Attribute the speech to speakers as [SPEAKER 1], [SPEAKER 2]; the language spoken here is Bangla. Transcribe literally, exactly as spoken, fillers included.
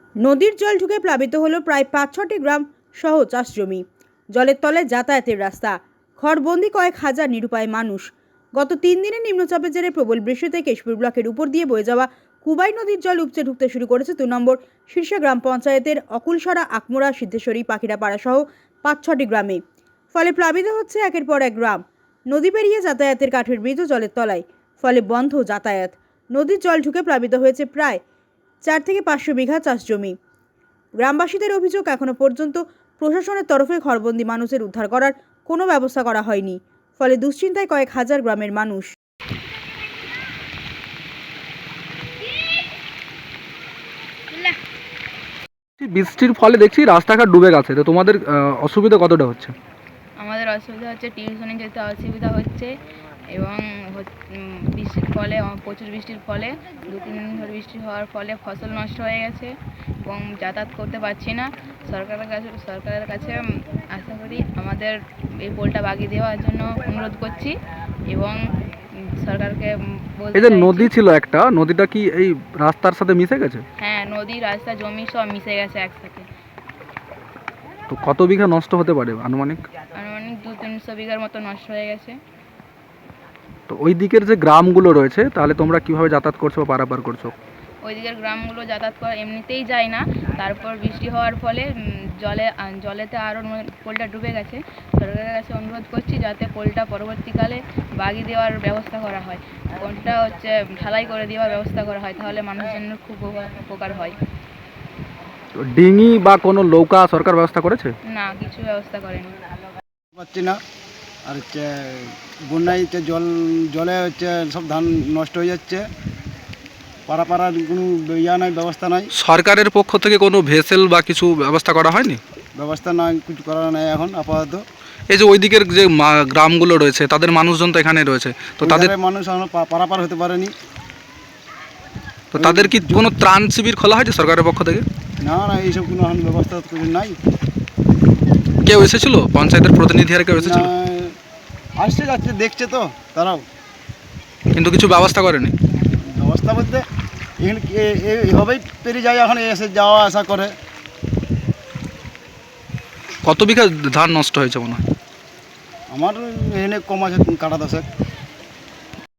[SPEAKER 1] নদীর জল ঢুকে প্লাবিত হলো প্রায় পাঁচ ছটি গ্রাম সহ চাষ জমি। জলের তলায় যাতায়াতের রাস্তা, ঘরবন্দি কয়েক হাজার নিরুপায় মানুষ। গত তিন দিনের নিম্নচাপের জেরে প্রবল বৃষ্টিতে কেশপুর ব্লকের উপর দিয়ে বয়ে যাওয়া কুবাই নদীর জল উপচে ঢুকতে শুরু করেছে দু নম্বর শীর্ষে গ্রাম পঞ্চায়েতের অকুলসরা, আকমোড়া, সিদ্ধেশ্বরী, পাখিরাপাড়া সহ পাঁচ ছটি গ্রামে। ফলে প্লাবিত হচ্ছে একের পর এক গ্রাম। নদী পেরিয়ে যাতায়াতের কাঠের ব্রিজও জলের তলায়, ফলে বন্ধ যাতায়াত। নদীর জল ঢুকে প্লাবিত হয়েছে প্রায় চার থেকে পাঁচশো বিঘা চাষ জমি। গ্রামবাসীদের অভিযোগ, এখনো পর্যন্ত প্রশাসনের তরফে ঘরবন্দি মানুষের উদ্ধার করার কোনো ব্যবস্থা করা হয়নি। ফলে দুশ্চিন্তায় কয়েক হাজার গ্রামের মানুষ।
[SPEAKER 2] বৃষ্টির ফলে দেখছি রাস্তাঘাট ডুবে গেছে, তো তোমাদের অসুবিধা কতটা হচ্ছে?
[SPEAKER 3] আমাদের অসুবিধা হচ্ছে, টিউশনে যেতে অসুবিধা হচ্ছে এবং বৃষ্টির ফলে, প্রচুর বৃষ্টির ফলে দু তিন দিন ধরে বৃষ্টি হওয়ার ফলে ফসল নষ্ট হয়ে গেছে এবং যাতায়াত করতে পারছি না। সরকারের কাছে সরকারের কাছে আশা করি আমাদের এই পোলটা বাগিয়ে দেওয়ার জন্য অনুরোধ করছি এবং সরকারকে বলতে
[SPEAKER 2] এই যে
[SPEAKER 3] চাইছি-
[SPEAKER 2] নদী ছিল একটা, নদীটা কি এই রাস্তার সাথে মিশে গেছে?
[SPEAKER 3] হ্যাঁ, নদী, রাস্তা, জমি সব মিশে গেছে একসাথে।
[SPEAKER 2] তো কত বিঘা নষ্ট হতে পারে আনুমানিক?
[SPEAKER 3] আনুমানিক দু তিনশো বিঘার মতো নষ্ট হয়ে গেছে।
[SPEAKER 2] তো ওই দিকের যে গ্রামগুলো রয়েছে, তাহলে তোমরা কিভাবে যাতায়াত করছো বা পারাপার করছো?
[SPEAKER 3] ওই দিকের গ্রামগুলো যাতায়াত করা এমনিতেই যায় না, তারপর বৃষ্টি হওয়ার ফলে উম, জলে আ- জলেতে আরও পোলটা ডুবে গেছে। সরকারের কাছে অনুরোধ করছি যাতে পোলটা পরবর্তীকালে বাগিয়ে দেওয়ার ব্যবস্থা করা হয়, পোলটা হচ্ছে ঢালাই করে দেওয়ার ব্যবস্থা করা হয়, তাহলে মানুষজনের খুব উপকার- উপকার হয়।
[SPEAKER 2] তো ডিঙি বা কোনো নৌকা সরকার ব্যবস্থা করেছে?
[SPEAKER 3] না, কিছু ব্যবস্থা করেনি।
[SPEAKER 4] পাচ্ছি না। আর হচ্ছে বন্যায় হচ্ছে জল জলে হচ্ছে সব ধান নষ্ট হয়ে যাচ্ছে, পাড়া পাড়ার কোনো ইয়া নাই, ব্যবস্থা নাই।
[SPEAKER 2] সরকারের পক্ষ থেকে কোনো ভেসেল বা কিছু ব্যবস্থা করা হয়নি?
[SPEAKER 4] ব্যবস্থা নাই, কিছু করার নাই এখন আপাতত।
[SPEAKER 2] এই যে ওই দিকের যে মা- গ্রামগুলো রয়েছে, তাদের মানুষজন তো এখানে রয়েছে, তো
[SPEAKER 4] ওই
[SPEAKER 2] তাদের
[SPEAKER 4] ধারে মানুষ এখনো পা- পারাপার হতে পারেনি।
[SPEAKER 2] তো তাদের কি কোনো ত্রাণ শিবির খোলা হয়েছে সরকারের পক্ষ থেকে?
[SPEAKER 4] না না, এইসব কোনো এখন ব্যবস্থা তো কিছু নাই।
[SPEAKER 2] কেউ এসেছিল, পঞ্চায়েতের প্রতিনিধি আর কেউ এসেছিল?
[SPEAKER 4] না, আসছে যাচ্ছে, দেখছে তো তারাও,
[SPEAKER 2] কিন্তু কিছু ব্যবস্থা করেনি।
[SPEAKER 4] ব্যবস্থা বলতে এখানে কি এ- এ- এভাবেই পেরিয়ে যায়, এখন এসে যাওয়া আসা করে।
[SPEAKER 2] কত বিঘা ধান নষ্ট হয়েছে মনে হয়?
[SPEAKER 4] আমার এখানে কম আছে কাটা দশেক।